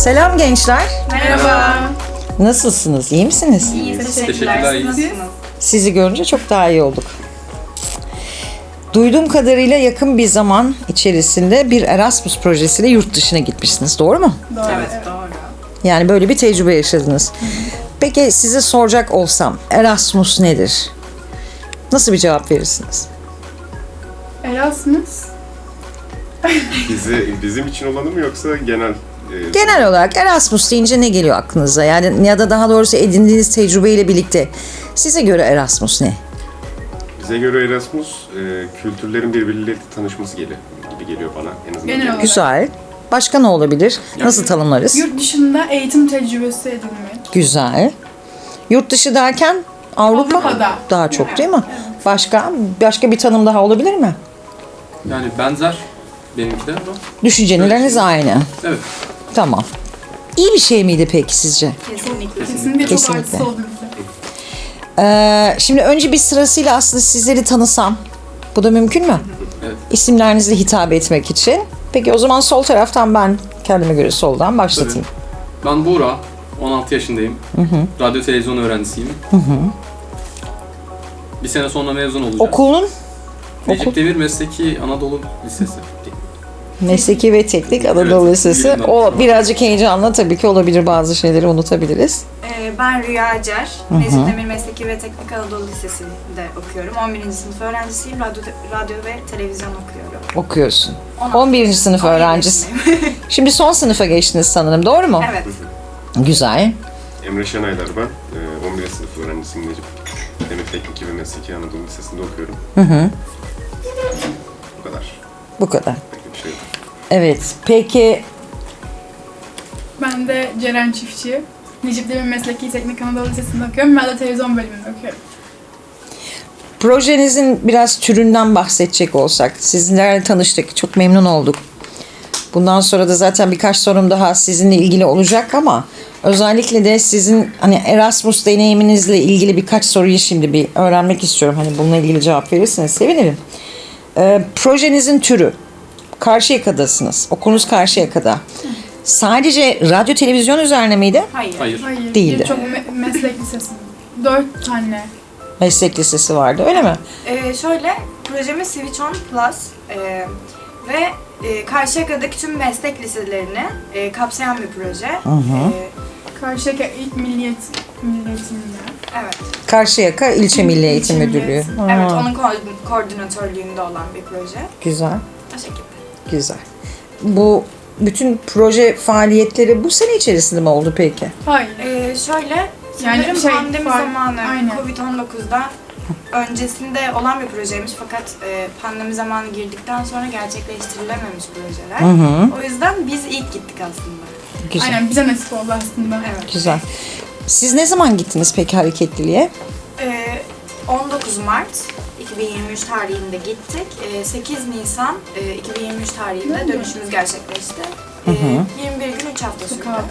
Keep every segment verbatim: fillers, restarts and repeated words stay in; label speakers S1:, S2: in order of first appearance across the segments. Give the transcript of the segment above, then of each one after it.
S1: Selam gençler.
S2: Merhaba.
S1: Nasılsınız? İyi misiniz?
S2: İyiyiz.
S3: Teşekkürler,
S2: Teşekkürler.
S3: iyiyiz.
S2: Nasılsınız?
S1: Sizi görünce çok daha iyi olduk. Duyduğum kadarıyla yakın bir zaman içerisinde bir Erasmus projesiyle yurt dışına gitmişsiniz. Doğru mu?
S2: Doğru. Evet, doğru.
S1: Yani böyle bir tecrübe yaşadınız. Peki size soracak olsam Erasmus nedir? Nasıl bir cevap verirsiniz?
S2: Erasmus.
S3: Bizi, bizim için olanı mı yoksa genel? E,
S1: Genel olarak Erasmus deyince ne geliyor aklınıza? Yani ya da daha doğrusu edindiğiniz tecrübeyle birlikte size göre Erasmus ne?
S3: Bize göre Erasmus, e, kültürlerin birbirleriyle tanışması geliyor, gibi geliyor bana en azından.
S2: Genel olarak.
S1: Güzel. Başka ne olabilir? Nasıl tanımlarız?
S2: Yurt dışında eğitim tecrübesi edinmek.
S1: Güzel. Yurt dışı derken Avrupa
S2: Avrupa'da.
S1: daha çok değil mi? Başka başka bir tanım daha olabilir mi?
S4: Yani benzer benimki de ama
S1: Düşünceleriniz aynı.
S4: evet.
S1: Tamam. İyi bir şey miydi peki sizce?
S2: Kesinlikle. Kesinlikle çok
S1: Kesinlikle.
S2: artısı oldu bize.
S1: Ee, şimdi önce bir sırasıyla aslında sizleri tanısam. Bu da mümkün mü?
S4: Evet.
S1: İsimlerinizle hitap etmek için. Peki o zaman sol taraftan ben kendime göre soldan başlatayım.
S4: Ben Buğra, on altı yaşındayım. Radyo televizyon öğrencisiyim. Bir sene sonra mezun olacağım.
S1: Okulun
S4: Necip
S1: okul-
S4: Demir Mesleki Anadolu Lisesi.
S1: Mesleki ve Teknik Anadolu
S4: Evet,
S1: Lisesi.
S4: bilmem.
S1: O birazcık heyecanlı tabii ki olabilir, bazı şeyleri unutabiliriz.
S5: Ee, Ben Rüya Acar, Necip Demir Mesleki ve Teknik Anadolu Lisesi'nde okuyorum. on birinci sınıf öğrencisiyim, radyo, radyo ve televizyon okuyorum.
S1: Okuyorsun.
S5: on
S1: on birinci sınıf
S5: on birinci
S1: öğrencisi.
S5: sınıf.
S1: Şimdi son sınıfa geçtiniz sanırım, doğru mu?
S5: Evet.
S1: Güzel.
S3: Emre Şenaylar ben, e, on birinci sınıf öğrencisiyim Necip Demir Teknik ve Mesleki Anadolu Lisesi'nde okuyorum.
S1: Hı hı.
S3: Bu kadar.
S1: Bu kadar.
S3: Pek bir şey yok.
S1: Evet. Peki
S2: Ben de Ceren Çiftçi. Necip Demir Mesleki Teknik Anadolu Lisesi'nde okuyorum. Ben de televizyon bölümünde okuyorum.
S1: projenizin biraz türünden bahsedecek olsak. Sizinlerle tanıştık. Çok memnun olduk. Bundan sonra da zaten birkaç sorum daha sizinle ilgili olacak ama özellikle de sizin hani Erasmus deneyiminizle ilgili birkaç soruyu şimdi bir öğrenmek istiyorum. Hani bununla ilgili cevap verirseniz sevinirim. Ee, projenizin türü. Karşıyaka'dasınız. Okulunuz Karşıyaka'da. Sadece radyo televizyon üzerine miydi?
S5: Hayır.
S4: Hayır.
S2: Hayır.
S1: Değildi.
S2: Birçok me- meslek lisesi. Dört tane.
S1: Meslek lisesi vardı, öyle mi?
S5: Ee, şöyle, projemiz Switch On Plus ee, ve e, Karşıyaka'daki tüm meslek liselerini e, kapsayan bir proje.
S1: Hı hı.
S5: Ee,
S2: Karşıyaka İlk Milliyet Milliyetinde.
S5: evet.
S1: Karşıyaka İlçe Milli Eğitim
S2: İlçe Milli
S1: Müdürlüğü.
S2: Eğitim.
S1: Ha,
S5: Evet, onun ko- koordinatörlüğünde olan bir proje.
S1: Güzel,
S5: O şekilde.
S1: güzel. Bu bütün proje faaliyetleri bu sene içerisinde mi oldu peki?
S2: Hayır.
S5: Ee, şöyle,
S2: Yani
S5: sanırım
S2: şey,
S5: pandemi
S2: fark-
S5: zamanı,
S2: aynen.
S5: kovid on dokuzda öncesinde olan bir projeymiş fakat e, pandemi zamanı girdikten sonra gerçekleştirilememiş projeler.
S1: Hı hı.
S5: O yüzden biz ilk gittik aslında.
S1: Güzel,
S2: Aynen bize nasip oldu aslında.
S5: Evet.
S1: güzel. Siz ne zaman gittiniz peki hareketliliğe?
S5: Ee, on dokuz Mart iki bin yirmi üç tarihinde gittik. Ee, sekiz Nisan e, iki bin yirmi üç tarihinde dönüşümüz gerçekleşti. Ee, yirmi bir gün üç hafta sürdü.
S2: Kaldık.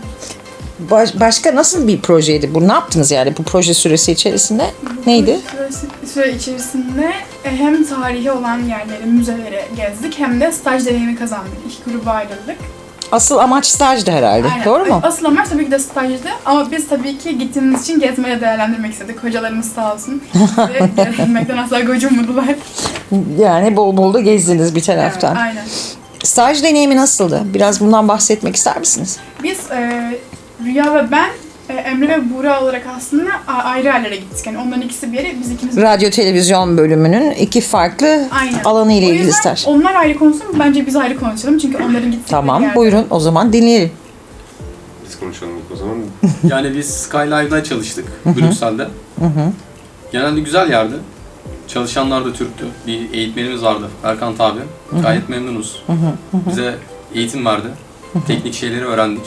S1: Baş- başka nasıl bir projeydi bu? Ne yaptınız yani bu proje süresi içerisinde? Neydi?
S2: Süre, süre içerisinde e, hem tarihi olan yerleri, müzeleri gezdik hem de staj deneyimi kazandık. İki gruba ayrıldık.
S1: Asıl amaç stajdı herhalde,
S2: Aynen.
S1: doğru mu?
S2: Asıl amaç tabii ki de stajdı ama biz tabii ki gittiğimiz için gezmeye değerlendirmek istedik. Hocalarımız sağ olsun. Ve gezmekten asla gocunmadılar.
S1: Yani bol bol da gezdiniz bir taraftan.
S2: Aynen.
S1: Staj deneyimi nasıldı? Biraz bundan bahsetmek ister misiniz?
S2: Biz e, Rüya ve ben e, Emre ve Buğra olarak aslında a- ayrı yerlere gittik. Yani onların ikisi bir yere, biz ikimiz
S1: Radyo televizyon bölümünün iki farklı
S2: Aynen.
S1: alanı ile
S2: O
S1: ilgili
S2: yüzden
S1: staj.
S2: onlar ayrı konuşsun, bence biz ayrı konuşalım çünkü onların gittikleri
S1: Tamam,
S2: yerde-
S1: buyurun o zaman dinleyelim.
S3: Biz konuşalım ilk o zaman.
S4: Yani biz Skylive'da çalıştık Brüksel'de. Genelde güzel yerdi. Çalışanlar da Türktü. Bir eğitmenimiz vardı, Erkan abi. Gayet memnunuz. Bize eğitim verdi. Teknik şeyleri öğrendik.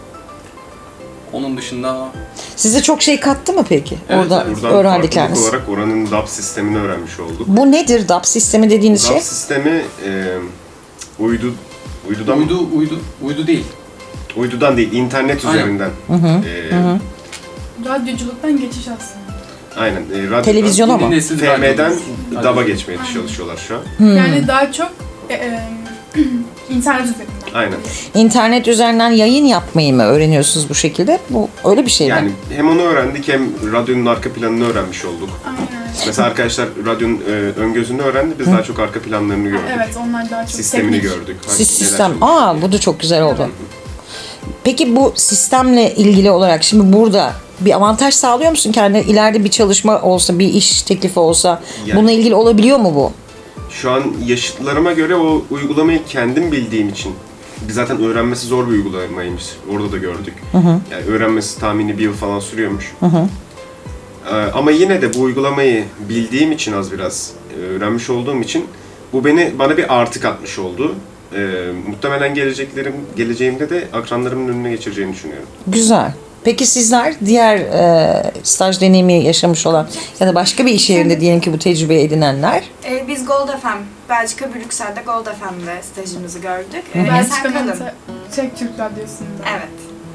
S4: Onun dışında
S1: Size çok şey kattı mı peki?
S4: Evet,
S1: Orada
S4: evet.
S3: Buradan
S1: öğrendikleriniz.
S3: farklılık olarak oranın D A B sistemini öğrenmiş olduk.
S1: Bu nedir D A B sistemi dediğiniz
S3: D A
S1: şey?
S3: B sistemi e, uydu, uydudan,
S4: uydu uydu uydu değil.
S3: uydudan değil, internet
S4: Aynen.
S3: üzerinden. E,
S2: Radyoculuktan geçiş aslında.
S3: Aynen. E, radyodan,
S1: Televizyona
S4: Yeni
S1: mı?
S4: nesil
S3: F M'den
S4: radyo.
S3: D A B'a geçmeye çalışıyorlar şu an.
S1: Hmm.
S2: Yani daha çok e, e, internet üzerinden.
S3: Aynen.
S1: İnternet üzerinden yayın yapmayı mı öğreniyorsunuz bu şekilde? Bu öyle bir şey
S3: Yani
S1: mi?
S3: hem onu öğrendik hem radyonun arka planını öğrenmiş olduk.
S2: Aynen.
S3: Mesela arkadaşlar radyonun e, ön gözünü öğrendi, biz daha çok arka planlarını gördük.
S2: Evet, onlar daha çok
S3: Sistemini
S2: teknik.
S3: gördük.
S1: Siz
S3: Hangi-
S1: sistem.
S3: neler çalışıyor.
S1: Aa bu da çok güzel oldu. Peki bu sistemle ilgili olarak şimdi burada bir avantaj sağlıyor musun kendine? İleride bir çalışma olsa, bir iş teklifi olsa
S3: Yani-
S1: bununla ilgili olabiliyor mu bu?
S3: Şu an yaşıtlarıma göre o uygulamayı kendim bildiğim için, biz zaten öğrenmesi zor bir uygulamaymış. Orada da gördük. Yani öğrenmesi tahmini bir yıl falan sürüyormuş. Ee, ama yine de bu uygulamayı bildiğim için az biraz e, öğrenmiş olduğum için bu beni bana bir artı katmış oldu. Ee, muhtemelen geleceklerim geleceğimde de akranlarımın önüne geçireceğini düşünüyorum.
S1: Güzel. Peki sizler diğer e, staj deneyimi yaşamış olan ya da başka bir iş yerinde diyelim ki bu tecrübeyi edinenler
S5: Ee, biz Gold F M, Belçika Brüksel'de Gold F M'de stajımızı gördük. Ee, Esen
S2: Belçika'nın
S5: Kalın.
S2: te- Çek Türk Radyosu'nda.
S5: Evet.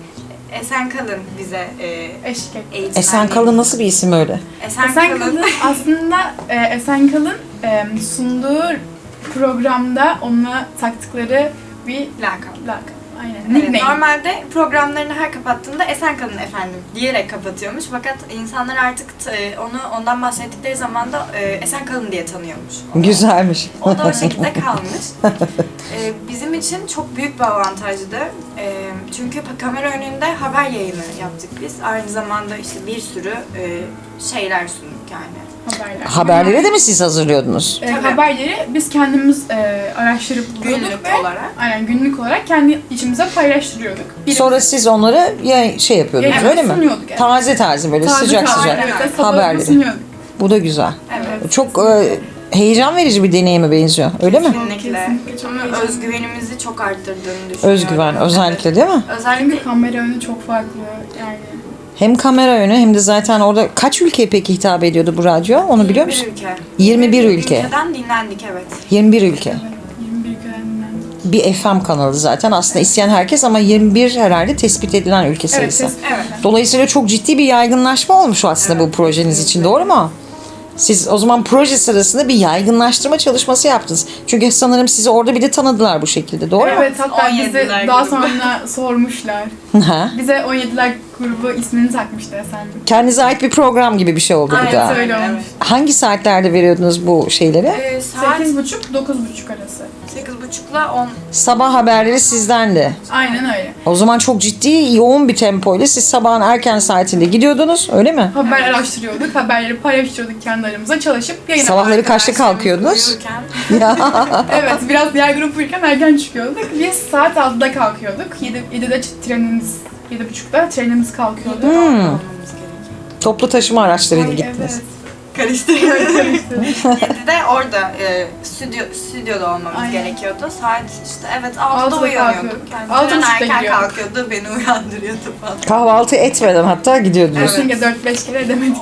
S5: Esen Kalın bize e,
S2: Eşlik etti.
S5: eğitim
S1: Esen
S5: verdi.
S1: Kalın nasıl bir isim öyle?
S5: Esen,
S2: Esen
S5: Kalın.
S2: Kalın aslında e, Esen Kalın e, sunduğu programda onunla taktıkları bir
S5: Lakap.
S2: lakap. Aynen.
S5: Evet,
S2: Nickname.
S5: normalde programlarını her kapattığında Esen Kalın efendim diyerek kapatıyormuş. Fakat insanlar artık e, onu ondan bahsettikleri zaman da e, Esen Kalın diye tanıyormuş.
S1: Güzelmiş.
S5: O da o şekilde kalmış. E, bizim için çok büyük bir avantajdı. E, çünkü kamera önünde haber yayını yaptık biz. Aynı zamanda işte bir sürü e, şeyler sunduk yani.
S2: Haberler.
S1: Haberleri de mi siz hazırlıyordunuz?
S2: E,
S5: Tabii.
S2: haberleri biz kendimiz e, araştırıp buluyorduk
S5: Günlük
S2: ve
S5: olarak.
S2: aynen günlük olarak kendi içimize paylaştırıyorduk. Biri-
S1: Sonra siz onları ya şey yapıyordunuz
S2: Evet,
S1: öyle mi?
S2: sunuyorduk yani.
S1: Taze taze böyle
S2: Taze
S1: sıcak
S2: taze,
S1: sıcak
S2: evet, ve sabahları
S1: haberleri.
S2: sunuyorduk.
S1: Bu da güzel.
S5: Evet.
S1: Çok e, heyecan verici bir deneyime benziyor. Öyle mi?
S5: Kesinlikle.
S2: Kesinlikle çok
S5: Ama
S2: heyecanlı.
S5: özgüvenimizi çok arttırdığını düşünüyorum.
S1: Özgüven özellikle değil mi?
S5: Evet. Özellikle
S2: Çünkü kamera önü çok farklı yani.
S1: Hem kamera önü hem de zaten orada kaç ülkeye peki hitap ediyordu bu radyo? Onu biliyor
S5: yirmi bir
S1: musun?
S5: ülke.
S1: yirmi bir ülke.
S5: Ülkeden dinlendik evet.
S1: yirmi bir ülke.
S2: Evet, yirmi bir ülkelerinden.
S1: Bir F M kanalı zaten aslında isteyen herkes ama yirmi bir herhalde tespit edilen ülke
S2: Evet,
S1: sayısı.
S2: ses,
S5: Evet.
S1: Dolayısıyla çok ciddi bir yaygınlaşma olmuş aslında bu projeniz için, doğru mu? Siz o zaman proje sırasında bir yaygınlaştırma çalışması yaptınız. Çünkü sanırım sizi orada bir de tanıdılar bu şekilde, doğru mu?
S2: Evet, hatta
S5: on
S2: bizi
S5: yediler
S2: daha
S5: grubu.
S2: sonra sormuşlar.
S1: Ha?
S2: Bize on yediler grubu ismini takmıştı Esen.
S1: Kendinize ait bir program gibi bir şey oldu bu da.
S5: Aynen.
S2: Öyle
S5: Evet.
S2: olmuş.
S1: Hangi saatlerde veriyordunuz bu şeyleri?
S5: Ee, saat
S2: sekiz buçuk dokuz buçuk arası.
S5: sekiz buçukla on.
S1: Sabah haberleri sizden de.
S2: Aynen öyle.
S1: O zaman çok ciddi, yoğun bir tempoyla siz sabahın erken saatinde gidiyordunuz, öyle mi?
S2: Haber araştırıyorduk, haberleri paylaştırıyorduk kendi aramızda çalışıp yayına.
S1: Sabahları kaçta kalkıyordunuz?
S5: Uyurken.
S2: Evet, biraz diğer grup uyurken erken çıkıyorduk. Biz saat altıda kalkıyorduk. yedi, yedide trenimiz, yedi buçukta trenimiz kalkıyordu.
S1: Hmm.
S5: Olmamız gerekiyor.
S1: Toplu taşıma araçlarıyla
S2: Ay,
S1: gittiniz.
S2: evet.
S5: Karıştırıyoruz. yedide orada e, stüdyo, stüdyoda olmamız
S2: Aynen.
S5: gerekiyordu. Saat işte evet altıda
S2: Altıda
S5: uyanıyorduk.
S2: kalkıyorduk.
S5: Yani
S2: Altı
S5: Altı
S2: buçukta
S5: erken
S2: gidiyorduk.
S5: kalkıyordu, beni uyandırıyordu falan.
S1: Kahvaltı etmeden hatta gidiyordunuz.
S5: Evet.
S2: Çünkü dört beş kere edemedik.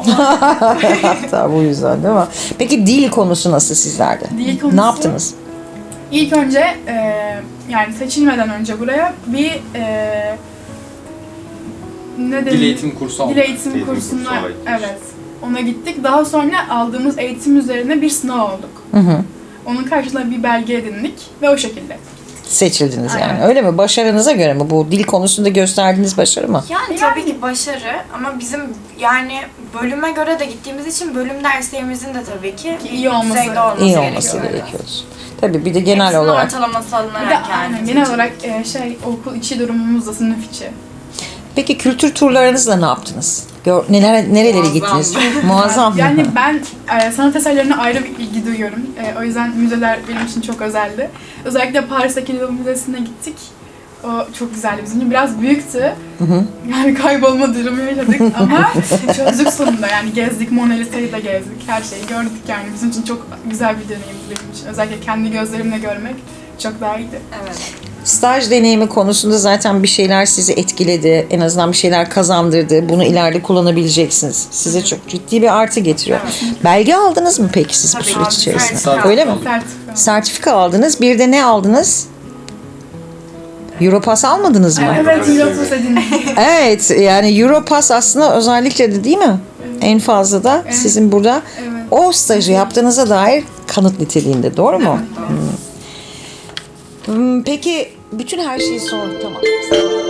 S1: Hatta bu yüzden değil mi? Peki dil konusu nasıl sizlerde?
S2: Dil konusu-
S1: Ne yaptınız?
S2: İlk önce e, yani seçilmeden önce buraya bir e, ne
S4: Dil
S2: denir?
S4: eğitim kursu aldık.
S2: Dil eğitim
S3: Eğitim
S2: kursuna
S3: kursu, ay.
S2: evet. Ona gittik. Daha sonra aldığımız eğitim üzerine bir sınav olduk.
S1: Hı hı.
S2: Onun karşılığında bir belge edindik ve o şekilde.
S1: Seçildiniz yani.
S2: Aynen.
S1: Öyle mi? Başarınıza göre mi? Bu dil konusunda gösterdiğiniz başarı mı?
S5: Yani,
S2: Yani-
S5: tabii ki başarı ama bizim yani bölüme göre de gittiğimiz için bölüm derslerimizin de tabii ki
S2: İyi olması-
S5: düzeyde olması
S1: İyi
S5: gerekiyor.
S1: olması
S5: Evet.
S1: gerekiyor. Tabii bir de genel
S5: Hepsinin
S1: olarak.
S5: ortalaması alınarak
S2: Bir de
S5: yani.
S2: aynen, genel olarak e, şey okul içi durumumuz da sınıf içi.
S1: Peki kültür turlarınızla ne yaptınız? Gör, neler, nerelere
S5: Muazzam.
S1: gittiniz? Muazzam.
S2: Yani ben e, sanat eserlerine ayrı bir ilgi duyuyorum. E, o yüzden müzeler benim için çok özeldi. Özellikle Paris'teki Louvre Müzesi'ne gittik. O çok güzeldi bizim için. Biraz büyüktü. Yani kaybolma durumu yaşadık ama çözdük sonunda. Yani gezdik, Mona Lisa'yı da gezdik. Her şeyi gördük yani. Bizim için çok güzel bir deneyimdi benim için. Özellikle kendi gözlerimle görmek çok daha iyiydi.
S5: Evet.
S1: Staj deneyimi konusunda zaten bir şeyler sizi etkiledi. En azından bir şeyler kazandırdı. Bunu ileride kullanabileceksiniz. Size çok ciddi bir artı getiriyor. Belge aldınız mı peki siz bu
S5: Tabii,
S1: süreç
S5: aldık.
S1: içerisinde?
S5: Sertifika
S1: Öyle mi?
S4: aldık.
S2: Sertifika.
S1: Sertifika aldınız. Bir de ne aldınız? Europass almadınız mı?
S2: Evet, Europass edindik.
S1: Evet, yani Europass aslında özellikle de değil mi? En fazla da
S2: Evet.
S1: sizin burada
S2: Evet.
S1: o stajı yaptığınıza dair kanıt niteliğinde, doğru mu?
S2: Evet.
S1: Hmm. Hmm, Peki bütün her şeyi sor. Tamam.